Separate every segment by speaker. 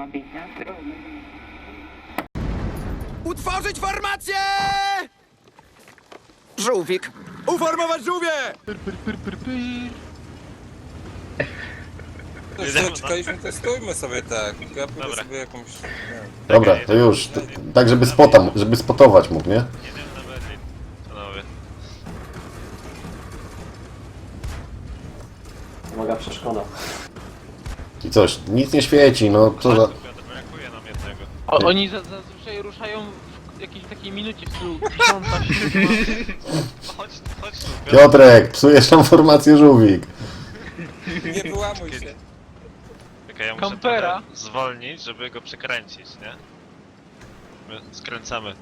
Speaker 1: Utworzyć formację! Żółwik. Uformować żółwie!
Speaker 2: Czekaliśmy, to stójmy sobie tak. Ja pójdę sobie jakąś...
Speaker 3: Dobra, to już. Tak, żeby spotować mógł, nie?
Speaker 4: Jedziemy na Berlin, panowie.
Speaker 5: Uwaga, przeszkoda.
Speaker 3: I coś, nic nie świeci, no co za...
Speaker 4: Piotr, brakuje nam jednego.
Speaker 6: Oni zazwyczaj ruszają w jakiejś takiej minucie w stylu 10, 7.
Speaker 4: Chodź tu, Piotr.
Speaker 3: Piotrek, psujesz nam formację żółwik.
Speaker 2: Nie wyłamuj się.
Speaker 4: Czekaj, ja muszę
Speaker 6: Kampera.
Speaker 4: trochę zwolnić, żeby go przekręcić, nie? My skręcamy.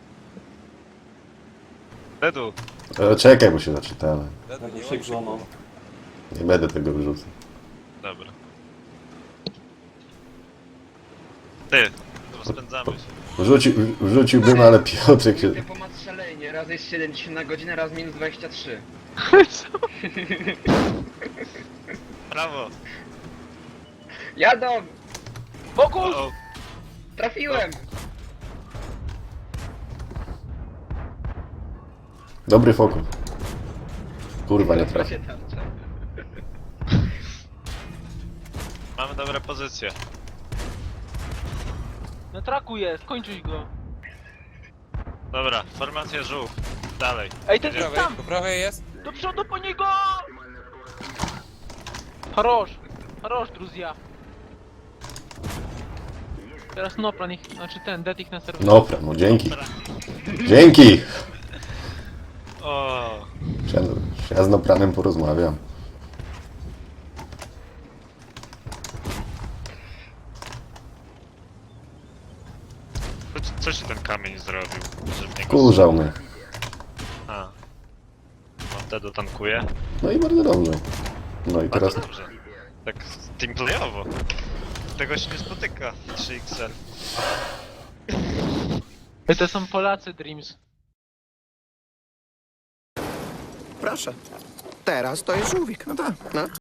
Speaker 4: Dedu,
Speaker 3: Czekaj, bo się zaczytamy.
Speaker 5: Jakby się złamał.
Speaker 3: Nie będę tego wyrzucał.
Speaker 4: dobra. Ty, rozpędzamy się.
Speaker 3: Wrzuciłbym, ale Piotrek się...
Speaker 7: Tempomat szalejnie, raz jest 70 na godzinę, raz minus 23.
Speaker 4: Brawo!
Speaker 7: Jadą!
Speaker 6: Fokus!
Speaker 4: O,
Speaker 7: Trafiłem!
Speaker 3: Dobry fokus. Kurwa, nie trafię.
Speaker 7: Się tam,
Speaker 4: mamy dobre pozycje.
Speaker 6: Na traku jest, kończyć go.
Speaker 4: Dobra, formacja żółw. Dalej.
Speaker 6: Ej, ten
Speaker 2: Po
Speaker 6: jest
Speaker 2: prawej,
Speaker 6: tam!
Speaker 2: po prawej jest?
Speaker 6: Do przodu po niego! Хорош! Хорош, друзья! Teraz Noplan ich, znaczy ten, Det ich na serwerze.
Speaker 3: Dobra, no dzięki. Dzięki!
Speaker 4: O,
Speaker 3: Ja z Nopranem porozmawiam.
Speaker 4: co ci ten kamień zrobił? Że mnie go...
Speaker 3: Kurzał mnie.
Speaker 4: A. On wtedy tankuje.
Speaker 3: No i bardzo dobrze. No i teraz...
Speaker 4: Bardzo dobrze. Tak teamplayowo. Tego się nie spotyka. 3XL.
Speaker 6: Ej, to są Polacy, Dreams.
Speaker 1: Proszę. Teraz to jest żółwik. No tak. No.